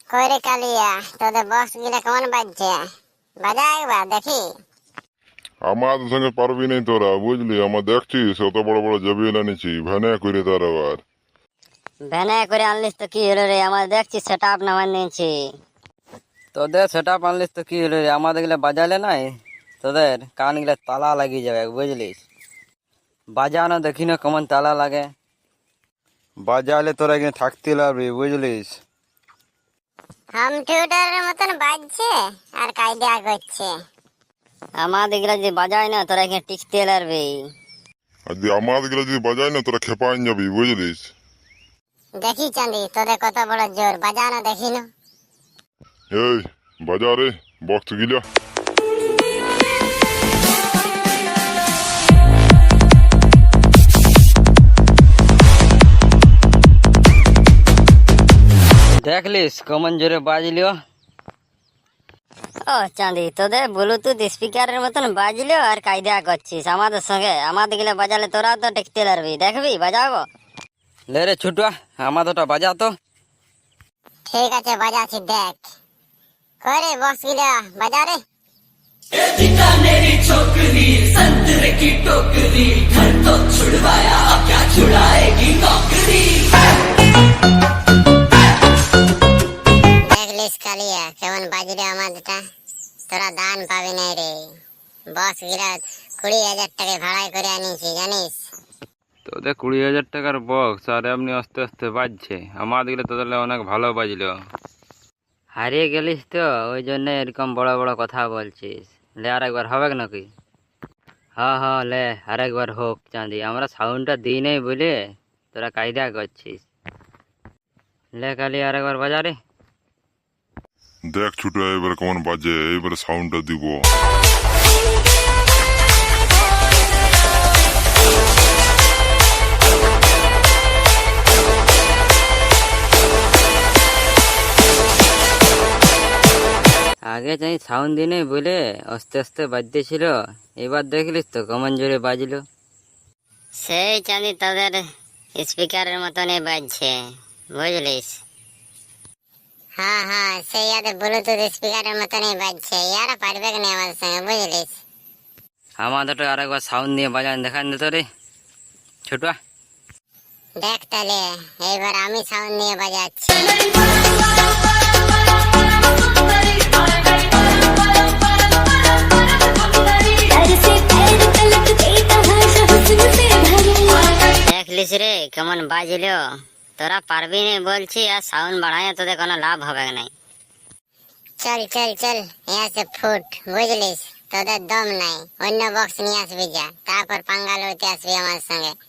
কইরে কালিয়া তোদের বক্স গিলা কেমন বাজছে? বাজা একবার দেখি। আমাদের সঙ্গে পারবি নাই তোরা, বুঝলি? আমার দেখছিস অত বড় বড় জবিল এনেছি, ভ্যানে করে তার আবার। ভ্যানে করে আনলিস তো কি হলো রে? আমার দেখছি সেট আপ নামান নিয়েছি। তোদের সেট আপ আনলিস তো কি হলো রে? আমাদের গেলে বাজালে নাই, তোদের কান গেলে তালা লাগিয়ে যাবে, বুঝলিস? বাজানো দেখি না কেমন তালা লাগে। বাজালে তোরা এখানে থাকতে লাগবি, বুঝলিস? হোম থিয়েটারের মতন বাজছে আর কায়দা করছে। আমাদের গুলা যে বাজায় না তোরা এখানে টিকতে পারবি। আর যদি আমাদের গুলো যদি বাজাই না তোরা খেপাইন যাবি, বুঝলিস? দেখি চাঁদি তোদের কত বড় জোর, বাজানো দেখি না। এই বাজা রে বক্স গিলা। দেখলিস কেমন জোরে বাজলিও? ও চাঁদি, তোদের ব্লুটুথ স্পিকারের মতন বাজলো আর কায়দা করছিস আমাদের সঙ্গে। আমাদের গুলা বাজালে তোরা তো টিকতে পারবি, দেখবি বাজাবো। লে রে ছুটুয়া, আমাদেরটা বাজা তো। ঠিক আছে বাজাচ্ছি, দেখ। কইরে বক্স গিলা বাজা রে। बीकानेरी छोकरी संतरे की टोकरी, घर तो छुड़वाया अब क्या छुड़ाएगी नौकरी। দেখলিস কালিয়া কেমন বাজরে আমাদেরটা? তোরা দান পাবি না রে। বক্স গিলা 20,000 টাকা ভাড়ায় করে আনিছি, জানিস? তোদের 20,000 টাকার বক্স আর এমনি আস্তে আস্তে বাজছে। আমাদের গেলে তোদের অনেক ভালো বাজলো। হারিয়ে গেলিস তো, ওই জন্য এরকম বড় বড় কথা বলছিস। লে আর একবার হবে নাকি? হ্যাঁ হ্যাঁ লে আর একবার হোক চাঁদি। আমরা সাউন্ডটা দিই নাই বলে তোরা কায়দা করছিস। লে কালি আর একবার বাজা রে। দেখ ছুটে এবার কেমন বাজে, এইবারে সাউন্ডটা দিব। আগে চাই সাউন্ড দিই নাই বলে আস্তে আস্তে বাজতেছিল, এবার দেখলিস তো কেমন জোরে বাজলো। সেই চাঁদি তোদের স্পিকারের মতনই বাজছে, বুঝলিস? হ্যাঁ হ্যাঁ, সেই ইয়াদের ব্লুটুথ স্পিকারের মতনই বাজছে। ইয়ারা পারবে না আমাদের সঙ্গে, বুঝলিস? আমাদেরটা আর একবার সাউন্ড দিয়ে বাজান দেখান দিত রে ছোটুয়া। দেখ তাহলে এইবার আমি সাউন্ড নিয়ে বাজাচ্ছি। দেখলিস রে কেমন বাজলো? তোরা পারবি না বলছি, আর সাউন্ড বাড়ায় তোদের কোনো লাভ হবে নাই। চল চল চল, সে ফুট, বুঝলিস? তোদের দম নাই, অন্য বক্স নিয়ে আসবি যা, তারপর পাঙ্গা লড়তে আসবি আমার সঙ্গে।